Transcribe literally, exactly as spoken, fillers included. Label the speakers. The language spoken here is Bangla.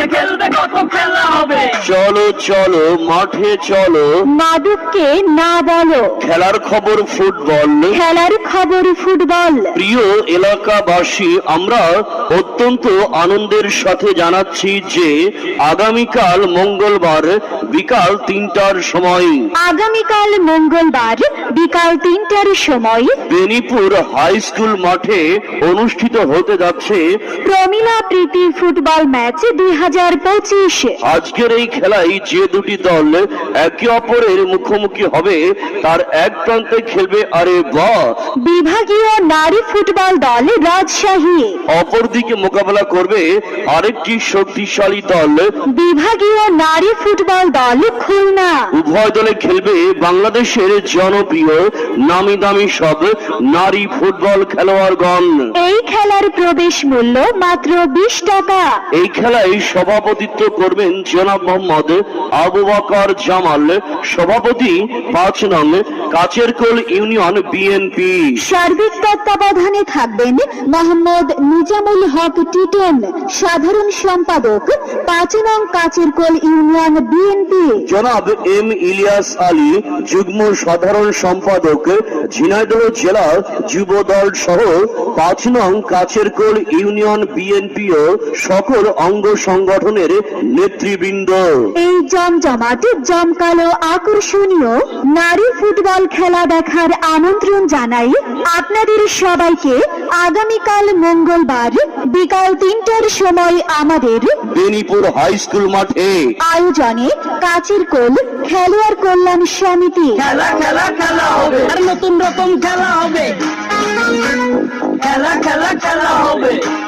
Speaker 1: খেলবে কত খেলা হবে।
Speaker 2: চলো চলো মাঠে চলো,
Speaker 3: মাদককে না বলো।
Speaker 2: খেলার খবর ফুটবল।
Speaker 3: খেলার খবর ফুটবল।
Speaker 2: প্রিয় এলাকাবাসী, আমরা অত্যন্ত আনন্দের সাথে জানাচ্ছি যে আগামীকাল মঙ্গলবার বিকাল তিনটার সময়
Speaker 3: আগামীকাল মঙ্গলবার বিকাল তিনটার সময়
Speaker 2: বেনিপুর হাই স্কুল মাঠে অনুষ্ঠিত হতে যাচ্ছে
Speaker 3: প্রমিলা প্রীতি ফুটবল ম্যাচ দুই হাজার পঁচিশ।
Speaker 2: আজকের এই খেলায় যে দুটি দল একে অপরের মুখোমুখি হবে তার এক প্রান্তে খেলবে আরে বাহ
Speaker 3: বিভাগীয় নারী ফুটবল দল রাজশাহী,
Speaker 2: অপরদিকে মোকাবেলা করবে আরেকটি শক্তিশালী দল
Speaker 3: বিভাগীয় নারী ফুটবল দল খুলনা।
Speaker 2: উভয় দলে খেলবে বাংলাদেশের জনপ্রিয় নামি দামি সব নারী ফুটবল খেলোয়াড়গণ।
Speaker 3: এই খেলার প্রবেশ মূল্য মাত্র বিশ টাকা।
Speaker 2: এই খেলায় সভাপতিত্ব করবেন জনাব মোহাম্মদ আবু বকর জামাল, সভাপতি পাঁচ নং কাচেরকোল ইউনিয়ন বিএনপি।
Speaker 3: সার্বিক তত্ত্বাবধানে থাকবেন মোহাম্মদ নিজামুল হক টিটন, সাধারণ সম্পাদক পাঁচ নং কাচেরকোল ইউনিয়ন বিএনপি।
Speaker 2: জনাব এম ইলিয়াস আলী, যুগ্ম সাধারণ সম্পাদক ঝিনাইদহ জেলা যুব দল সহ পাঁচ নং কাচেরকোল ইউনিয়ন বিএনপি ও সকল অঙ্গ সংগঠনের নেতৃবৃন্দ।
Speaker 3: এই জমজমাট জমকালো আকর্ষণীয় নারী ফুটবল খেলা দেখার আমন্ত্রণ জানাই আপনাদের সবাইকে আগামীকাল মঙ্গলবার বিকাল তিনটার সময় আমাদের
Speaker 2: বেনিপুর হাই স্কুল মাঠে।
Speaker 3: আয়োজনে কাচেরকোল খেলোয়াড় কল্যাণ সমিতি।
Speaker 1: খেলা খেলা খেলা হবে, আর নতুন রকম খেলা হবে। খেলা খেলা খেলা হবে।